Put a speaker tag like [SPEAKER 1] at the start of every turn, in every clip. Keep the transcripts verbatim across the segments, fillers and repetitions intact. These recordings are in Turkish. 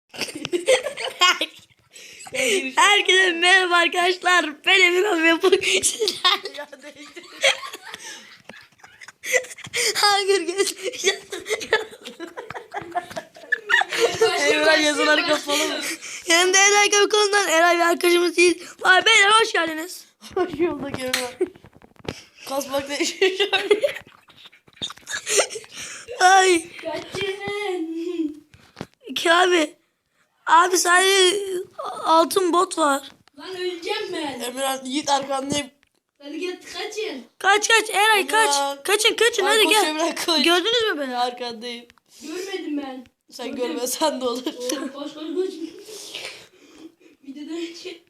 [SPEAKER 1] Herkese merhaba arkadaşlar. Ben Emirhan ve bugün sizlerle Hunger Games.
[SPEAKER 2] Emirhan yazıları kapalı mı?
[SPEAKER 1] Yanımda Eray Kapıkonu'ndan Eray ve arkadaşımız değil. Vay beyler hoş geldiniz.
[SPEAKER 2] Hoş bulduk Emirhan. Kasmakla işe
[SPEAKER 1] Ay.
[SPEAKER 3] Kaçın.
[SPEAKER 1] Ki abi. Abi sadece altın bot var.
[SPEAKER 3] Lan öleceğim ben.
[SPEAKER 2] Emirhan Yiğit arkandayım.
[SPEAKER 3] Hadi git kaçın.
[SPEAKER 1] Kaç kaç Eray kaç.
[SPEAKER 2] Emirhan.
[SPEAKER 1] Kaçın kaçın
[SPEAKER 2] Ay,
[SPEAKER 1] hadi
[SPEAKER 2] koş
[SPEAKER 1] gel.
[SPEAKER 2] Emirhan, koş.
[SPEAKER 1] Gördünüz mü beni?
[SPEAKER 2] Arkandayım.
[SPEAKER 3] Görmedim ben.
[SPEAKER 2] Sen
[SPEAKER 3] Gördüm.
[SPEAKER 2] görmesen de olur.
[SPEAKER 3] Oo, koş koş koş. Videodan önce.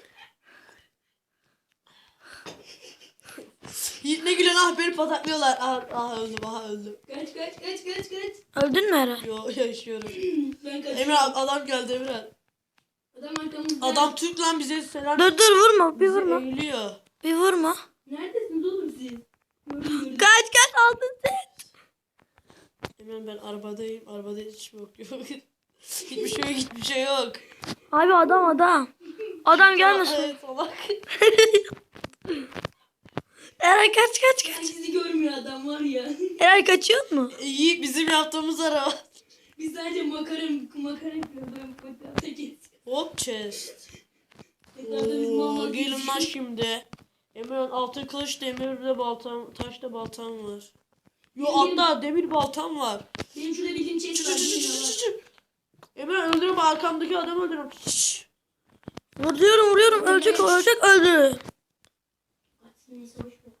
[SPEAKER 2] Yiğit ne gülüyorsun, ah beni pataklıyorlar. Ah, ah öldüm, ah öldüm.
[SPEAKER 3] Kaç kaç kaç kaç kaç.
[SPEAKER 1] Öldün mü Eray?
[SPEAKER 2] Yo, yaşıyorum.
[SPEAKER 3] Ben kaçıyorum.
[SPEAKER 2] Emirhan adam geldi Emirhan.
[SPEAKER 3] Adam arkamızda.
[SPEAKER 2] Adam Türk lan, bize selam.
[SPEAKER 1] Dur dur vurma bir
[SPEAKER 2] Bizi
[SPEAKER 1] vurma.
[SPEAKER 2] eğiliyor.
[SPEAKER 1] Bir vurma.
[SPEAKER 3] Neredesiniz oğlum siz? Gördüm gördüm.
[SPEAKER 1] Kaç kaç altın set.
[SPEAKER 2] Emirhan ben arabadayım. Arabada hiç yok yok. Hiçbir şey yok, hiçbir şey yok.
[SPEAKER 1] Abi adam adam. Adam gelmesin.
[SPEAKER 2] Evet, salak.
[SPEAKER 1] Eray kaç kaç
[SPEAKER 3] Ben
[SPEAKER 1] kaç.
[SPEAKER 3] sizi görmüyor adam var ya.
[SPEAKER 1] Eray kaçıyor mu?
[SPEAKER 2] Yiğit bizim yaptığımız araba.
[SPEAKER 3] Biz sadece makara makara yapıyoruz. Ben fotoğrafta geçiyorum.
[SPEAKER 2] Hop chest.
[SPEAKER 3] Etrafta biz mal
[SPEAKER 2] Oo,
[SPEAKER 3] mal
[SPEAKER 2] gelin lan
[SPEAKER 3] geziyoruz.
[SPEAKER 2] şimdi. Emirhan altın kılıç, demirde baltam, taşta baltam var. Yo
[SPEAKER 3] Benim-
[SPEAKER 2] hatta demir baltam var.
[SPEAKER 3] Benim şurada bildiğim
[SPEAKER 2] Çı
[SPEAKER 3] chest
[SPEAKER 2] çı
[SPEAKER 3] var.
[SPEAKER 2] çı çı
[SPEAKER 3] bilin
[SPEAKER 2] çı
[SPEAKER 3] ama.
[SPEAKER 2] çı çı. Emirhan öldürüm, arkamdaki adamı öldürüm. Şşş.
[SPEAKER 1] Vuruyorum vuruyorum ölecek o ölecek öldü.
[SPEAKER 3] Neyse boş ver.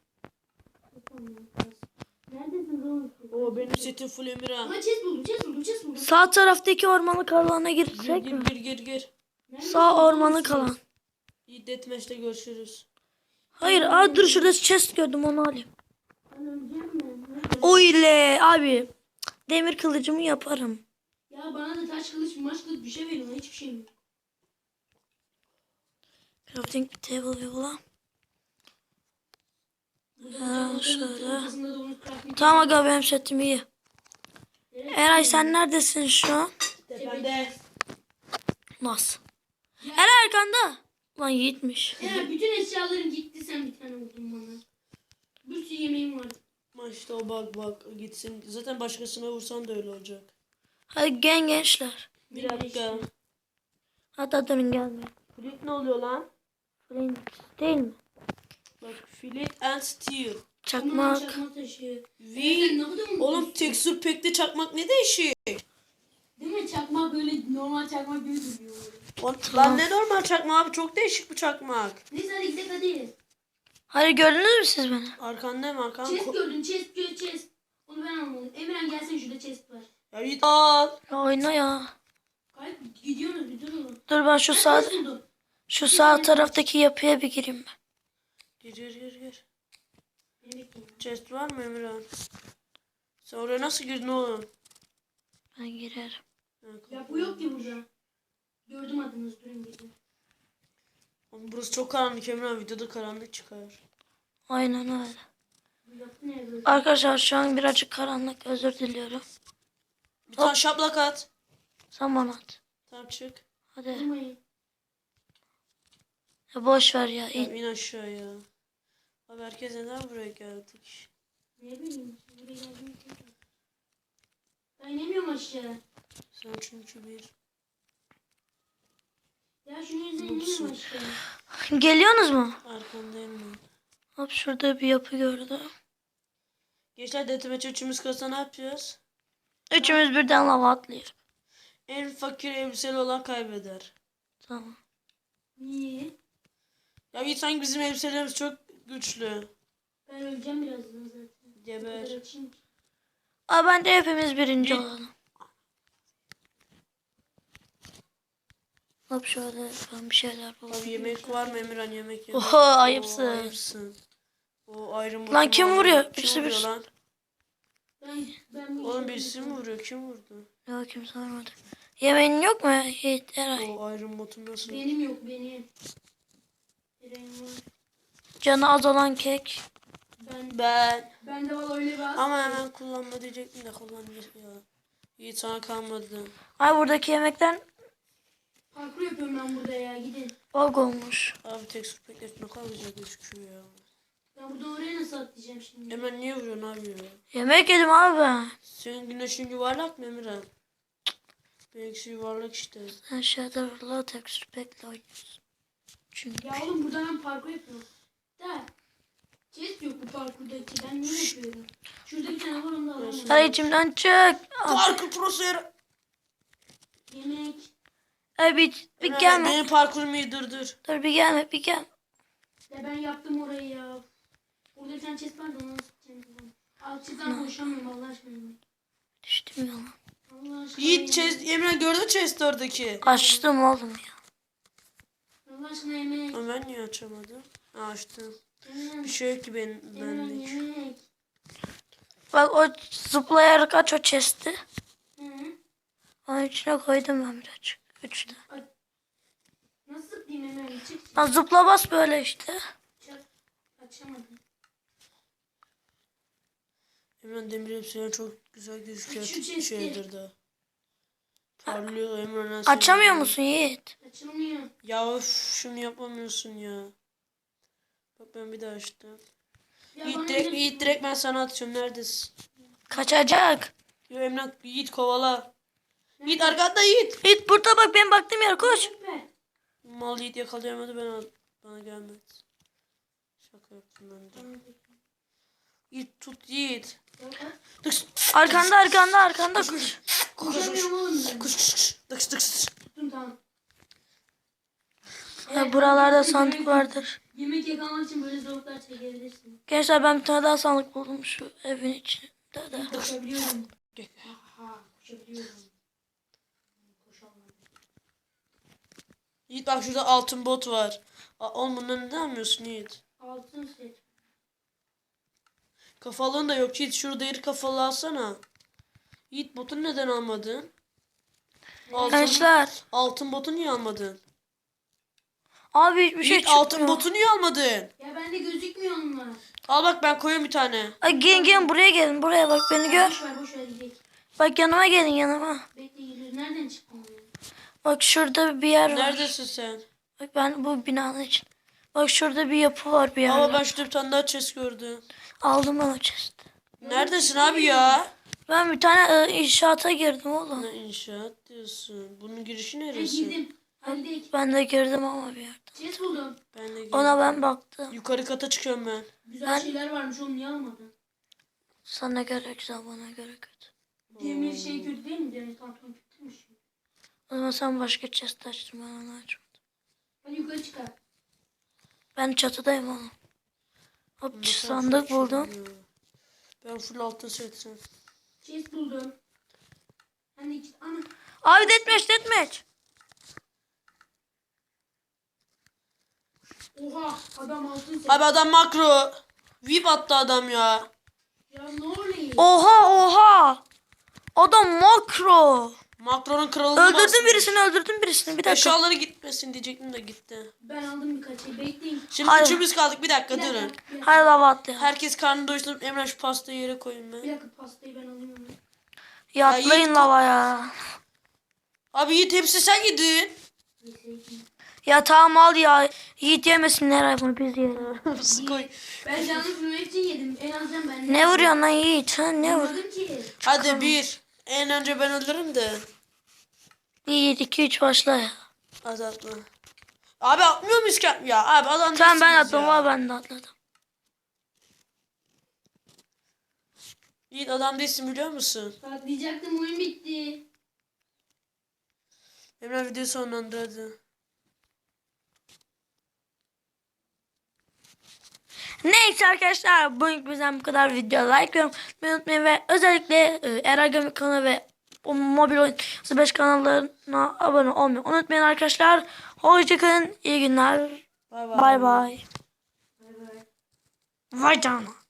[SPEAKER 3] Neredesiniz oğlum?
[SPEAKER 2] Oo benim setim full Emirhan.
[SPEAKER 3] Ama chest buldum, chest buldum, chest buldum.
[SPEAKER 1] Sağ taraftaki ormanlık alana
[SPEAKER 2] Gir
[SPEAKER 1] girsek
[SPEAKER 2] gir
[SPEAKER 1] mi?
[SPEAKER 2] gir gir gir.
[SPEAKER 3] Neredesiniz
[SPEAKER 1] Sağ
[SPEAKER 3] oğlum
[SPEAKER 1] ormanlık
[SPEAKER 3] siz?
[SPEAKER 1] alan.
[SPEAKER 2] İyi deathmatch'te görüşürüz.
[SPEAKER 1] Hayır aa dur şurada chest gördüm onu alayım.
[SPEAKER 3] Ben öleceğim ben. Nerede?
[SPEAKER 1] O ile abi demir kılıcımı yaparım.
[SPEAKER 3] Ya bana da taş kılıç, maç kılıç bir şey verin. Hiçbir şey yok.
[SPEAKER 1] Crafting table yola.
[SPEAKER 3] Burada
[SPEAKER 1] Ha,
[SPEAKER 3] da
[SPEAKER 1] şöyle.
[SPEAKER 3] ortasında da onu crafting
[SPEAKER 1] Tamam aga benim setim iyi.
[SPEAKER 3] Evet.
[SPEAKER 1] Eray sen neredesin şu an?
[SPEAKER 2] Tepende.
[SPEAKER 1] Nasıl? Eray arkanda. Lan Yiğitmiş.
[SPEAKER 3] Eğer bütün eşyaların gitti sen bir tane vurdun bana. Bir sürü yemeğim vardı.
[SPEAKER 2] Ama işte o bak bak gitsin. Zaten başkasına vursan da öyle olacak.
[SPEAKER 1] Hadi gel gençler.
[SPEAKER 2] Bir dakika.
[SPEAKER 1] Hatta demin gelmiyor.
[SPEAKER 2] Flint ne oluyor lan?
[SPEAKER 1] Flint değil mi?
[SPEAKER 2] Bak flint and steel.
[SPEAKER 1] Çakmak.
[SPEAKER 3] Çakmak taşı.
[SPEAKER 2] V.
[SPEAKER 3] Sen ne kadar mı?
[SPEAKER 2] Oğlum texture pack'te çakmak ne değişik?
[SPEAKER 3] Değil mi? Çakmak böyle normal çakmak gibi duruyor.
[SPEAKER 2] Lan, lan ne normal çakmak abi, çok değişik bu çakmak.
[SPEAKER 3] Neyse hadi gidelim hadi.
[SPEAKER 1] Hayır gördünüz mü siz beni?
[SPEAKER 2] Arkanda mı arkan?
[SPEAKER 3] Chest gördüm, chest gör chest. Onu ben almadım. Emirhan gelsin şurada chest var.
[SPEAKER 2] Ya git al.
[SPEAKER 1] Ya oyna ya.
[SPEAKER 3] Kayıp gidiyoruz bir durun.
[SPEAKER 1] Dur ben şu sağ
[SPEAKER 3] Chest buldum.
[SPEAKER 1] şu sağ taraftaki yapıya bir gireyim ben.
[SPEAKER 2] Gir gir gir gir.
[SPEAKER 3] Beni bekleyin.
[SPEAKER 2] Chest var mı Emirhan? Sen oraya nasıl girdin oğlum?
[SPEAKER 1] Ben girerim.
[SPEAKER 2] Ha,
[SPEAKER 3] Ya bu yok ki burada. Gördüm adınızı durun gidin.
[SPEAKER 2] Oğlum burası çok karanlık Emirhan, videoda karanlık çıkar.
[SPEAKER 1] Aynen öyle.
[SPEAKER 3] Bu yapı ne böyle?
[SPEAKER 1] Arkadaşlar şu an birazcık karanlık özür diliyorum.
[SPEAKER 2] Bir tane şaplak at.
[SPEAKER 1] Sen bana at.
[SPEAKER 2] Tamam çık.
[SPEAKER 1] Hadi.
[SPEAKER 3] Durmayın.
[SPEAKER 1] Ya boş ver ya.
[SPEAKER 2] Tamam,
[SPEAKER 1] İn.
[SPEAKER 2] in aşağıya. Abi herkes neden buraya geldik?
[SPEAKER 3] Ne bileyim. Buraya geldim. Ben inemiyorum aşağı.
[SPEAKER 2] Sen çünkü bir...
[SPEAKER 3] Ya şunun yüzünden inemiyorum aşağı.
[SPEAKER 1] Geliyorsunuz mu?
[SPEAKER 2] Arkandayım ben.
[SPEAKER 1] Hop şurada bir yapı gördüm.
[SPEAKER 2] Gençler deathmatch üçümüz kalsa ne yapacağız?
[SPEAKER 1] Üçümüz birden lava atlıyor.
[SPEAKER 2] En fakir elbiseli olan kaybeder.
[SPEAKER 1] Tamam.
[SPEAKER 3] Niye?
[SPEAKER 2] Ya iyi, sanki bizim elbiselerimiz çok güçlü.
[SPEAKER 3] Ben öleceğim birazdan zaten. Bu
[SPEAKER 2] Geber.
[SPEAKER 3] kadar açayım ki.
[SPEAKER 1] Aa bence hepimiz birinci
[SPEAKER 2] Bir-
[SPEAKER 1] olalım. Hop şöyle ben bir şeyler
[SPEAKER 2] Abi
[SPEAKER 1] bulayım.
[SPEAKER 2] yemek var mı Emirhan, yemek yemek.
[SPEAKER 1] Oho ayıpsın.
[SPEAKER 2] Oo, ayıpsın. O ayrım
[SPEAKER 1] Lan kim
[SPEAKER 2] botumu
[SPEAKER 1] vuruyor?
[SPEAKER 2] aldım. Kim
[SPEAKER 1] Birisi
[SPEAKER 2] vuruyor
[SPEAKER 1] birisi.
[SPEAKER 2] lan?
[SPEAKER 3] Ben, ben bu
[SPEAKER 2] Oğlum
[SPEAKER 3] işe-
[SPEAKER 2] birisi mi vuruyor? Kim vurdu?
[SPEAKER 1] Yok kimse varmadı. Yemeğin yok mu Yiğit Eray?
[SPEAKER 2] O ayrım botum nasıl?
[SPEAKER 3] Benim yok benim. Benim var.
[SPEAKER 1] Canı az olan kek.
[SPEAKER 3] Ben,
[SPEAKER 2] Ben.
[SPEAKER 3] ben de valla öyle bir az.
[SPEAKER 2] Ama hemen kullanma diyecektim de kullanmayacağım ya. İyi sana kalmadı.
[SPEAKER 1] Ay buradaki yemekten
[SPEAKER 3] Parkur yapıyorum ben burada ya gidin.
[SPEAKER 1] Bug olmuş.
[SPEAKER 2] Abi tekstür pek ne kadar güzel gözüküyor ya.
[SPEAKER 3] Ben buradan oraya nasıl atlayacağım şimdi?
[SPEAKER 2] Hemen niye vuruyorsun abi ya?
[SPEAKER 1] Yemek yedim abi ben.
[SPEAKER 2] Senin güneşin yuvarlak mı Emirhan? Benimkisi yuvarlak işte.
[SPEAKER 1] Sen Shadow Law Texture Pack'le oynuyorsun. Çünkü
[SPEAKER 3] Ya oğlum burada ben parkur yapıyorum. Da. Chest yok bu parkurdaki. Ben niye yapıyorum? Şurada bir tane var onu da alamam.
[SPEAKER 1] Sen içimden çık. Abi,
[SPEAKER 2] Parkur prosu yer.
[SPEAKER 3] Yemek.
[SPEAKER 1] ay bir, bir
[SPEAKER 2] Emirhan,
[SPEAKER 1] gelme.
[SPEAKER 2] benim parkurumu iyi dur dur.
[SPEAKER 1] Dur bir gelme bir gel.
[SPEAKER 3] Ya ben yaptım orayı ya. Burada bir tane chest vardı onu nasıl tutacağım? Al chest'ten koşamıyorum Allah aşkına.
[SPEAKER 1] Düştüm yalan.
[SPEAKER 3] Allah aşkına.
[SPEAKER 2] Yiğit
[SPEAKER 3] ya.
[SPEAKER 2] chest, Emirhan gördün mü chest oradaki?
[SPEAKER 1] Açtım oğlum ya.
[SPEAKER 3] Allah aşkına yemek.
[SPEAKER 2] Ama ben niye açamadım? Ha, açtım.
[SPEAKER 3] Yemek.
[SPEAKER 2] Bir şey yok ki benim
[SPEAKER 3] Yemek.
[SPEAKER 2] benlik.
[SPEAKER 3] Yemek.
[SPEAKER 1] Bak o zıplayarak aç o chest'i.
[SPEAKER 3] Hı hı.
[SPEAKER 1] Onun içine koydum ben birazcık. Üçte.
[SPEAKER 3] Nasıl zıplayayım hemen? Çık çık.
[SPEAKER 1] Lan zıpla bas böyle işte.
[SPEAKER 3] Çık. Açamadım.
[SPEAKER 2] Emirhan demir hepsine çok güzel gözüküyor.
[SPEAKER 3] Şu chest'i.
[SPEAKER 2] Şeydir de. Parlıyor Emirhan. nasıl
[SPEAKER 1] Açamıyor
[SPEAKER 2] yapıyor?
[SPEAKER 1] musun Yiğit?
[SPEAKER 3] Açılmıyor.
[SPEAKER 2] Ya öf, şunu yapamıyorsun ya. Bak ben bir daha açtım.
[SPEAKER 3] Ya
[SPEAKER 2] Yiğit
[SPEAKER 3] bana
[SPEAKER 2] direkt,
[SPEAKER 3] ne-
[SPEAKER 2] Yiğit direkt ben sana atıyorum. Neredesin?
[SPEAKER 1] Kaçacak.
[SPEAKER 2] Yo Emrah Yiğit kovala. Yiğit arkanda Yiğit.
[SPEAKER 1] Yiğit burada bak ben baktım yere koş.
[SPEAKER 3] Süper.
[SPEAKER 2] Mal Yiğit yakalayamadı ben al- bana gelmedi. Şaka yaptım ben de. Yiğit tut Yiğit. Dıks.
[SPEAKER 1] Arkanda arkanda arkanda koş.
[SPEAKER 3] Koşamıyorum oğlum ben.
[SPEAKER 2] Kuş kuş kuş. Dıks dıks.
[SPEAKER 3] Tuttum tamam.
[SPEAKER 1] Ha, buralarda sandık vardır.
[SPEAKER 3] Yemek yakalamak için böyle zorluklar çekebilirsin.
[SPEAKER 1] Gençler ben bir tane daha sandık buldum şu evin içinde de.
[SPEAKER 3] Koşabiliyorum. Aha koşabiliyorum. Koşamam.
[SPEAKER 2] Yiğit bak şurada altın bot var. Aa, oğlum bunları neden almıyorsun Yiğit?
[SPEAKER 3] Altın set.
[SPEAKER 2] Kafalığın da yok Yiğit. Şurada iri kafalı alsana. Yiğit botunu neden almadın? Altın,
[SPEAKER 1] Gençler.
[SPEAKER 2] altın botu niye almadın?
[SPEAKER 1] Abi hiçbir şey
[SPEAKER 2] Yiğit
[SPEAKER 1] çıkmıyor.
[SPEAKER 2] altın botu niye almadın?
[SPEAKER 3] Ya bende gözükmüyor onlar.
[SPEAKER 2] Al bak ben koyuyorum bir tane.
[SPEAKER 1] Ay gelin gelin buraya gelin buraya bak beni gör.
[SPEAKER 3] Boş ver boş ver gidelim.
[SPEAKER 1] Bak yanıma gelin yanıma.
[SPEAKER 3] Bekle geliyoruz. Nereden çıktın ya?
[SPEAKER 1] Bak şurada bir yer var.
[SPEAKER 2] Neredesin sen?
[SPEAKER 1] Bak ben bu binanın için. Bak şurada bir yapı var bir yer.
[SPEAKER 2] Ama ben şurada bir tane daha chest gördüm.
[SPEAKER 1] Aldım ben o chest'i.
[SPEAKER 2] Neredesin abi ya?
[SPEAKER 1] Ben bir tane e, inşaata girdim oğlum.
[SPEAKER 2] Ne inşaat diyorsun? Bunun girişi
[SPEAKER 3] Ben
[SPEAKER 2] neresi?
[SPEAKER 3] girdim. Halledek.
[SPEAKER 1] Ben de girdim ama bir yerde.
[SPEAKER 3] Chest buldum.
[SPEAKER 2] Ben de girdim.
[SPEAKER 1] Ona ben baktım.
[SPEAKER 2] Yukarı kata çıkıyorum ben.
[SPEAKER 3] Güzel
[SPEAKER 1] Ben-
[SPEAKER 3] şeyler varmış oğlum niye almadın?
[SPEAKER 1] Sana göre güzel bana göre kötü.
[SPEAKER 3] Demir şey kötü değil mi? Demir pantolon kötüymüş.
[SPEAKER 1] O zaman sen başka chest açtın ben onu açmadım.
[SPEAKER 3] Hadi yukarı çıkar.
[SPEAKER 1] Ben çatıdayım oğlum. Hop
[SPEAKER 2] Bundan sonra
[SPEAKER 1] sandık
[SPEAKER 2] full
[SPEAKER 1] buldum.
[SPEAKER 2] çıkıyor. Ben full altın setim.
[SPEAKER 3] Chest buldum. Hani iki... Ana.
[SPEAKER 1] Abi deathmatch deathmatch.
[SPEAKER 3] Oha adam altın set.
[SPEAKER 2] Abi adam makro. Vip attı adam ya.
[SPEAKER 3] Ya ne oluyor?
[SPEAKER 1] Oha oha. Adam makro.
[SPEAKER 2] Makronun kralını
[SPEAKER 1] Öldürdün
[SPEAKER 2] bastı.
[SPEAKER 1] birisini öldürdün birisini bir dakika.
[SPEAKER 2] Eşyaları gitmesin diyecektim de gitti.
[SPEAKER 3] Ben aldım birkaç şey. Bekleyin.
[SPEAKER 2] Şimdi
[SPEAKER 1] Hayır.
[SPEAKER 2] üçümüz kaldık bir dakika
[SPEAKER 3] Bir dakika.
[SPEAKER 2] durun.
[SPEAKER 3] Bir dakika.
[SPEAKER 1] Hadi lava atlayalım.
[SPEAKER 2] Herkes karnını doyursun. Emre şu pastayı yere koyayım
[SPEAKER 3] Bir
[SPEAKER 2] ben.
[SPEAKER 3] dakika pastayı ben alayım onu.
[SPEAKER 1] Ya
[SPEAKER 2] Ya
[SPEAKER 1] atlayın
[SPEAKER 2] Yiğit-
[SPEAKER 1] lavaya.
[SPEAKER 2] Abi Yiğit hepsi sen yedin.
[SPEAKER 3] Neyse.
[SPEAKER 1] Ya tamam al ya. Yiğit yemesinler ay bunu biz yiyelim.
[SPEAKER 2] Koy.
[SPEAKER 3] Ben canlı vurmak için yedim. En azından ben.
[SPEAKER 1] Ne vuruyorsun lan Yiğit? Ha, ne vur?
[SPEAKER 3] Vurmadım ki.
[SPEAKER 2] Hadi bir. En önce ben ölürüm de.
[SPEAKER 1] Yiğit iki üç başla ya.
[SPEAKER 2] Az atma. Abi atmıyor muyuz ki? Ya abi adam
[SPEAKER 1] Tamam ben
[SPEAKER 2] değilsiniz
[SPEAKER 1] atladım
[SPEAKER 2] ya.
[SPEAKER 1] var ben de atladım.
[SPEAKER 2] Yiğit adam değilsin biliyor musun?
[SPEAKER 3] Patlayacaktım oyun bitti.
[SPEAKER 2] Emre video sonlandır hadi.
[SPEAKER 1] Neyse arkadaşlar bugün bizden bu kadar video like yorum unutmayın ve özellikle e, Eragami kanalı ve o mobil oyun beş kanallarına abone olmayı unutmayın arkadaşlar. Hoşçakalın iyi günler.
[SPEAKER 2] Bay bay.
[SPEAKER 1] Bay bay.
[SPEAKER 3] Bay bay.
[SPEAKER 1] Vay canına.